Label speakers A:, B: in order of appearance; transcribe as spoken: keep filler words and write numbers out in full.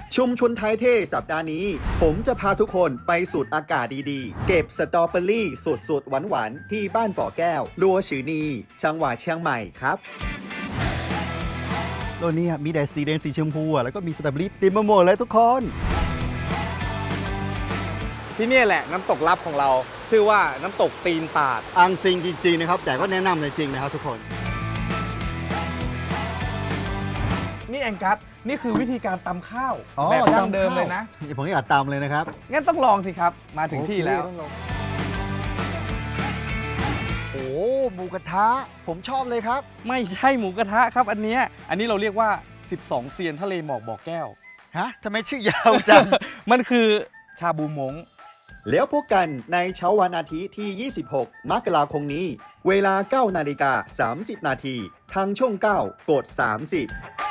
A: ชุมชนไทยเท่สัปดาห์นี้ ผมจะพาทุกคนไปสูดอากาศดีๆ เก็บสตรอเบอรี่สุดๆหวานๆที่บ้านป่อแก้วลัวชือนีจังหวัดเชียงใหม่ครับ
B: โลกนี้มีแต่สีแดงสีชมพูอ่ะแล้วก็มีสตรอเบอรี่เต็มไปหมดเลยทุกคน
C: ที่นี่แหละน้ำตกลับของเรา ชื่อว่าน้ำตกตีนตาด
B: อังซิงจริงๆนะครับแต่ก็แนะนำเลยจริงนะครับทุกคน
C: นี่แองกัสนี่คือวิธีการตำข้าว
B: อ๋อ
C: แบบดั้ง
B: ตำข้าว
C: เดิมเลยนะ
B: ผมอยากตามเลยนะครับ
C: งั้นต้องลองสิครับ มาถึงที่แล้ว
B: โอ้หมูกระทะผมชอบเลยครับ
C: ไม่ใช่หมูกระทะครับอันเนี้ยอันนี้เราเรียกว่า สิบสอง เซียนทะเลหมอกบ่อแก้ว
B: ฮะทำไมชื่อยาวจัง
C: มันคือชาบูมง
A: แล้วพบกันในเช้าวันอาทิตย์ที่ ยี่สิบหก มกราคมนี้ เวลา เก้านาฬิกาสามสิบนาทีทางช่อง เก้า กด สามสิบ